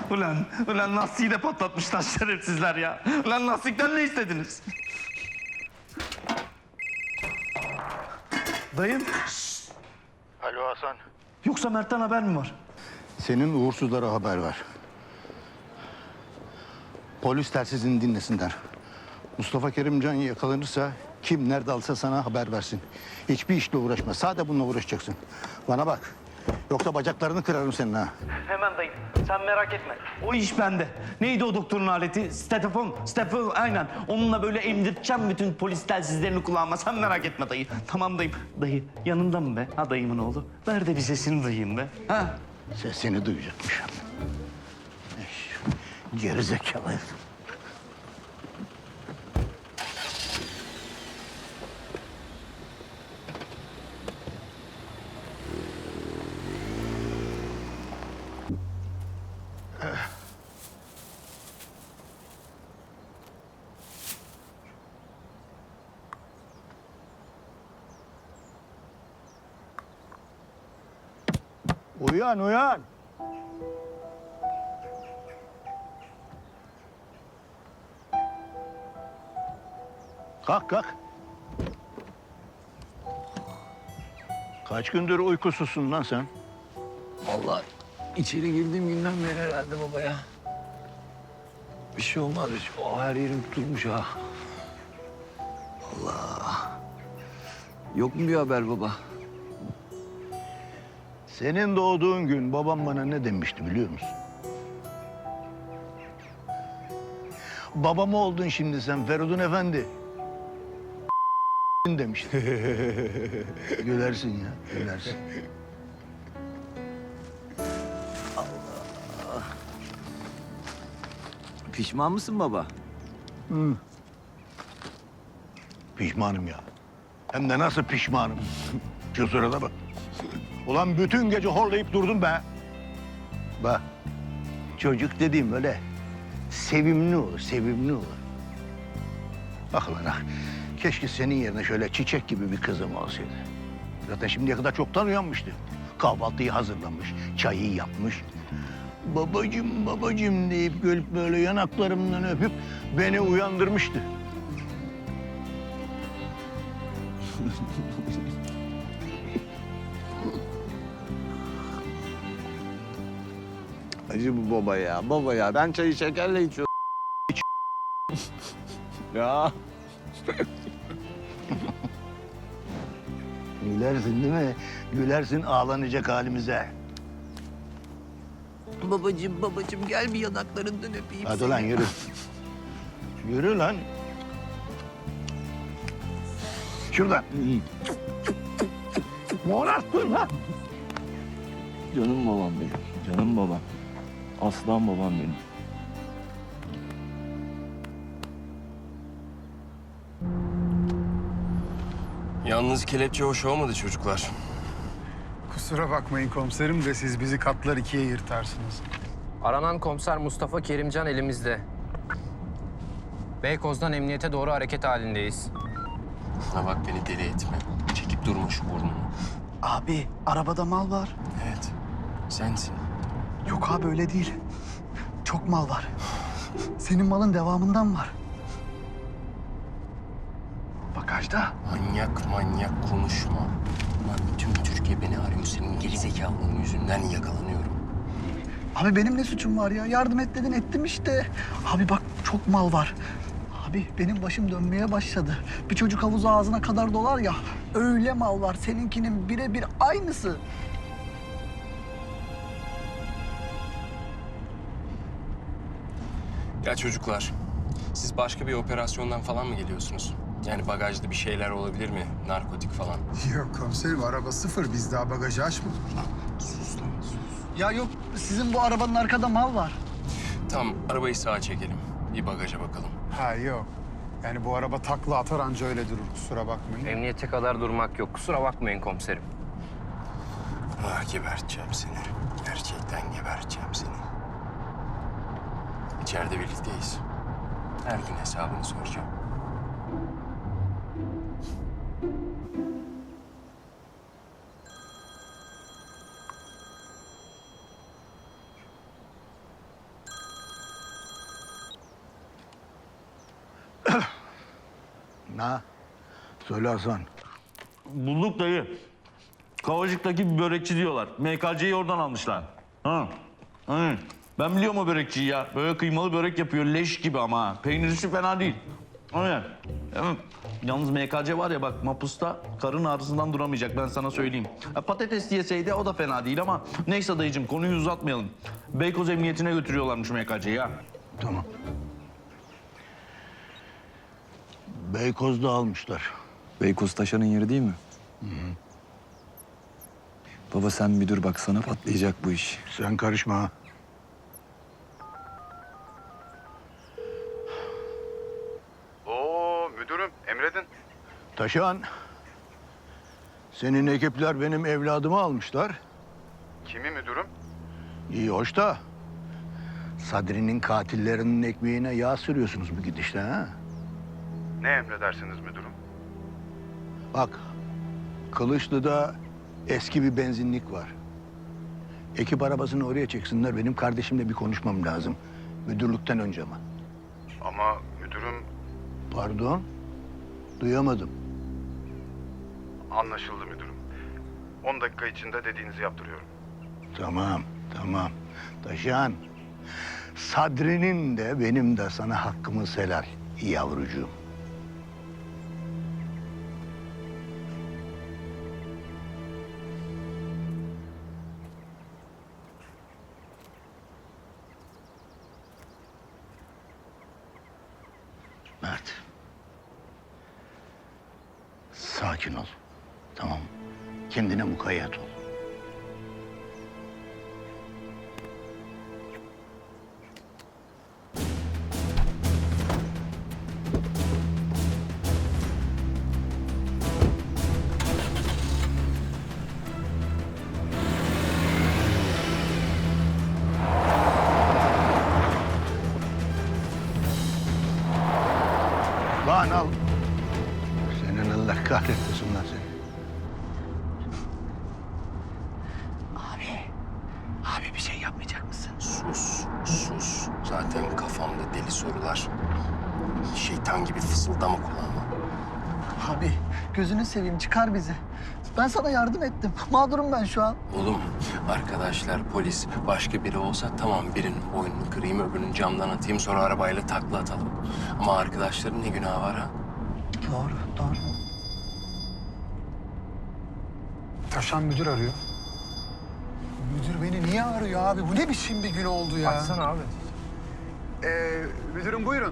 Ulan lastiği de patlatmışlar şerefsizler ya. Ulan lastikten ne istediniz? Dayım. Alo Hasan. Yoksa Mert'ten haber mi var? Senin uğursuzlara haber ver. Polis telsizini dinlesinler. Mustafa Kerimcan yakalanırsa kim nerede alsa sana haber versin. Hiçbir işle uğraşma. Sadece bununla uğraşacaksın. Bana bak. Yoksa bacaklarını kırarım senin ha. Hemen dayım. Sen merak etme. O iş bende. Neydi o doktorun aleti? Stefan aynen. Onunla böyle emdirteceğim bütün polis telsizlerini kulağıma. Sen merak etme dayı. Tamam dayım. Dayı yanında mı be? Ha dayımın oğlu. Ver de bir sesini duyayım be. Ha? Sesini duyacakmış. Gerizekalı. Uyan, uyan. Kalk, kalk. Kaç gündür uykusuzsun lan sen? Vallahi içeri girdiğim günden beri herhalde baba ya. Bir şey olmaz. O her yerim tutulmuş ha. Allah. Yok mu bir haber baba? Senin doğduğun gün babam bana ne demişti biliyor musun? Babam oldun şimdi sen Feridun Efendi. demişti. Gülersin ya, gülersin. Pişman mısın baba? Pişmanım ya. Hem de nasıl pişmanım. Şu sırada bak. Ulan bütün gece horlayıp durdum be. Bak, çocuk dediğim öyle sevimli olur, sevimli olur. Bak lan ah, keşke senin yerine şöyle çiçek gibi bir kızım olsaydı. Zaten şimdiye kadar çoktan uyanmıştı. Kahvaltıyı hazırlamış, çayı yapmış. Babacım, babacım deyip gelip böyle yanaklarımdan öpüp beni uyandırmıştı. Acı bu baba ya, baba ya. Ben çayı şekerle içiyorum. Ya. Gülersin değil mi? Gülersin ağlanacak halimize. Babacığım, babacığım gel bir yanaklarından öpeyim Hadi seni. lan yürü. Yürü lan. Şuradan. Morarttın lan. Canım babam benim, canım babam. Aslan babam benim. Yalnız kelepçe hoş olmadı çocuklar. Kusura bakmayın komiserim de siz bizi katlar ikiye yırtarsınız. Aranan komiser Mustafa Kerimcan elimizde. Beykoz'dan emniyete doğru hareket halindeyiz. Bana bak beni deli etme. Çekip durma şu burnunu. Abi arabada mal var. Evet, sensin. Yok abi öyle değil. Çok mal var. Senin malın devamından var. Bagajda. Manyak konuşma. Lan bütün Türkiye beni arıyor. Senin gerizekalılığın yüzünden yakalanıyorum. Abi benim ne suçum var ya? Yardım et dedin ettim işte. Abi bak çok mal var. Abi benim başım dönmeye başladı. Bir çocuk havuzu ağzına kadar dolar ya. Öyle mal var. Seninkinin birebir aynısı. Ya çocuklar, siz başka bir operasyondan falan mı geliyorsunuz? Yani bagajda bir şeyler olabilir mi? Narkotik falan. Yok komiserim araba sıfır biz daha bagajı açmadık. Sus lan, sus. Ya yok sizin bu arabanın arkada mal var. Tamam, arabayı sağa çekelim. Bir bagaja bakalım. Ha yok. Yani bu araba takla atar anca öyle durur kusura bakmayın. Emniyete kadar durmak yok. Kusura bakmayın komiserim. Ah, geberteceğim seni. Gerçekten geberteceğim seni. İçeride birlikteyiz. Her gün hesabını soracağım. Ha? Söyle Hasan. Bulduk dayı. Kavacık'taki bir börekçi diyorlar. MKC'yi oradan almışlar. Ha. Hı. Ben biliyorum o börekçiyi ya. Böyle kıymalı börek yapıyor leş gibi ama ha. Peynirisi fena değil. Aynen. Evet. Yalnız MKC var ya bak mapusta karın ağrısından duramayacak ben sana söyleyeyim. Patates yeseydi o da fena değil ama neyse dayıcığım konuyu uzatmayalım. Beykoz Emniyetine götürüyorlarmış MKC'yi ha. Tamam. Beykoz'da almışlar. Beykoz Taşan'ın yeri değil mi? Baba sen bir dur bak sana patlayacak bu iş. Sen karışma ha. Oo müdürüm emredin. Taşan. Senin ekipler benim evladımı almışlar. Kimi müdürüm? İyi hoş da. Sadri'nin katillerinin ekmeğine yağ sürüyorsunuz bu gidişle ha. Ne emredersiniz müdürüm? Bak, Kılıçlı'da eski bir benzinlik var. Ekip arabasını oraya çeksinler. Benim kardeşimle bir konuşmam lazım. Müdürlükten önce ama. Ama müdürüm Pardon? Duyamadım. anlaşıldı müdürüm. 10 dakika içinde dediğinizi yaptırıyorum. Tamam, tamam. Taşan, Sadri'nin de benim de sana hakkımız helal yavrucuğum. Mert. Sakin ol. Tamam. Kendine mukayyet ol. Lan al. Senin Allah kahretmesin lan seni. Abi bir şey yapmayacak mısın? Sus, sus. Zaten kafamda deli sorular. Şeytan gibi fısıldama kulağıma. Abi gözünü seveyim çıkar bizi. Ben sana yardım ettim. Mağdurum ben şu an. Oğlum, arkadaşlar, polis, başka biri olsa tamam birinin boynunu kırayım, öbürünün camdan atayım, sonra arabayla takla atalım. Ama arkadaşların ne günahı var ha? Doğru, doğru. Taşan müdür arıyor. Müdür beni niye arıyor abi? Bu ne biçim bir gün oldu ya? Açsana abi. Müdürüm buyurun.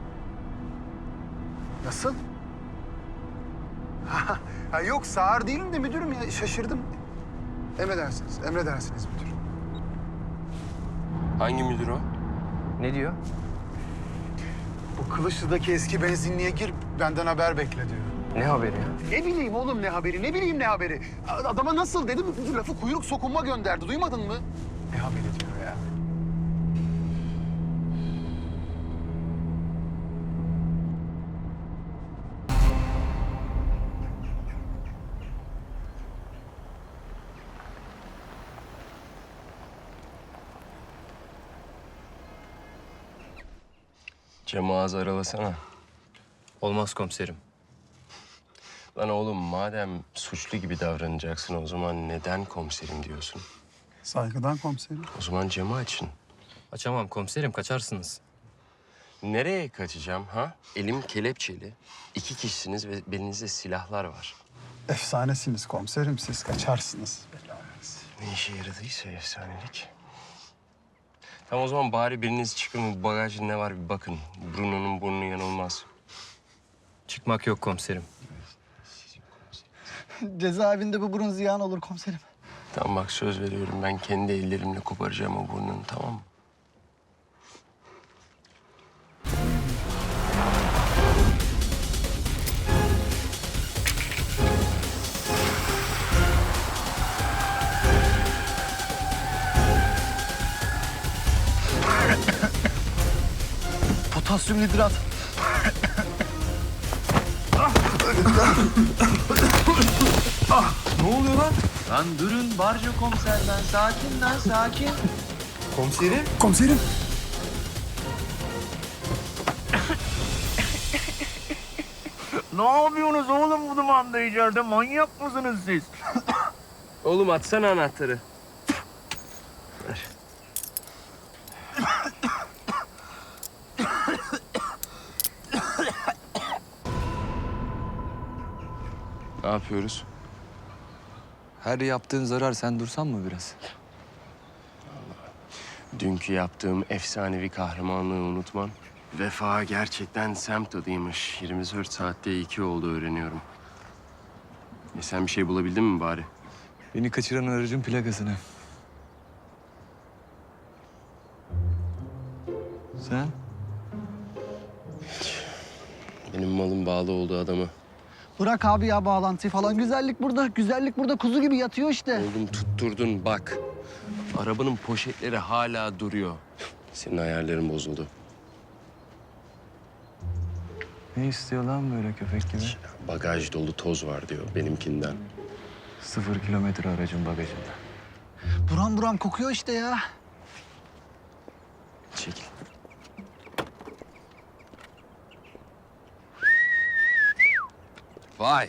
Nasıl? Ha, yok sağır değilim de müdürüm ya şaşırdım. Emredersiniz, emredersiniz müdür. Hangi müdür o? Ne diyor? Bu Kılıçlı'daki eski benzinliğe gir, benden haber bekle diyor. Ne haberi ya? Ne bileyim oğlum ne haberi, ne bileyim ne haberi. Adama nasıl dedim, lafı kuyruk sokunma gönderdi, duymadın mı? Ne haberi diyor ya. Camı ağzı aralasana. Olmaz komiserim. Lan oğlum madem suçlu gibi davranacaksın o zaman neden komiserim diyorsun? Saygıdan komiserim. O zaman camı açın. Açamam komiserim, kaçarsınız. Nereye kaçacağım ha? Elim kelepçeli. 2 kişisiniz ve belinizde silahlar var. Efsanesiniz komiserim, siz kaçarsınız. Ne işe yaradıysa efsanelik. Tamam o zaman bari biriniz çıkın bu bagajda ne var bir bakın. Bruno'nun burnu yanılmaz. Çıkmak yok komiserim. Cezaevinde bu burun ziyan olur komiserim. Tamam bak söz veriyorum ben kendi ellerimle koparacağım o burnunu tamam mı? Potasyum hidrat. Ne oluyor lan? Lan durun barca komiserden. Sakin lan sakin. Komiserim. Komiserim. Ne yapıyorsunuz oğlum bu dumanda içeride? Manyak mısınız siz? Oğlum atsana anahtarı. Ver. Ne yapıyoruz? Her yaptığın zarar, sen dursan mı biraz? Dünkü yaptığım efsanevi kahramanlığı unutmam. Vefa gerçekten semt adıymış. 24 saatte 2 oldu öğreniyorum. Sen bir şey bulabildin mi bari? Beni kaçıran aracın plakasını. Sen? Benim malım bağlı olduğu adamı. Bırak abi ya bağlantıyı falan. Güzellik burada. Güzellik burada kuzu gibi yatıyor işte. Oğlum tutturdun bak. Arabanın poşetleri hala duruyor. Senin ayarların bozuldu. Ne istiyor lan böyle köpek gibi? Bagaj dolu toz var diyor benimkinden. 0 kilometre aracın bagajında. Buram buram kokuyor işte ya. Çekil. Vay.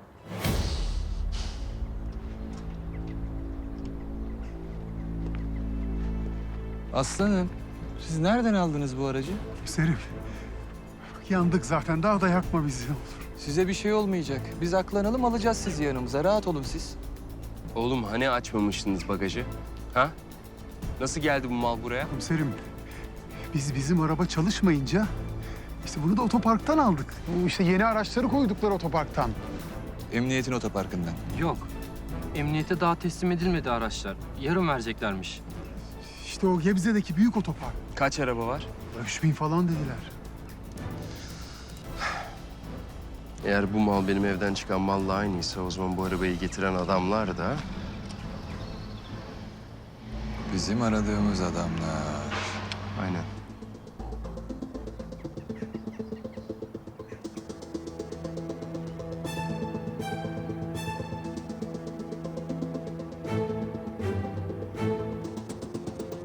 Aslanım, siz nereden aldınız bu aracı? Serim. Yandık zaten. Daha da yakma bizi. Size bir şey olmayacak. Biz aklanalım, alacağız sizi yanımıza. Rahat olun siz. Oğlum hani açmamıştınız bagajı? Ha? Nasıl geldi bu mal buraya? Komiserim, bizim araba çalışmayınca işte bunu da otoparktan aldık. Bu işte yeni araçları koydukları otoparktan. Emniyetin otoparkından. Yok. Emniyete daha teslim edilmedi araçlar. Yarın vereceklermiş. İşte o Gebze'deki büyük otopark. Kaç araba var? 3000 falan dediler. Eğer bu mal benim evden çıkan malla aynıysa o zaman bu arabayı getiren adamlar da... Bizim aradığımız adamlar. Aynen.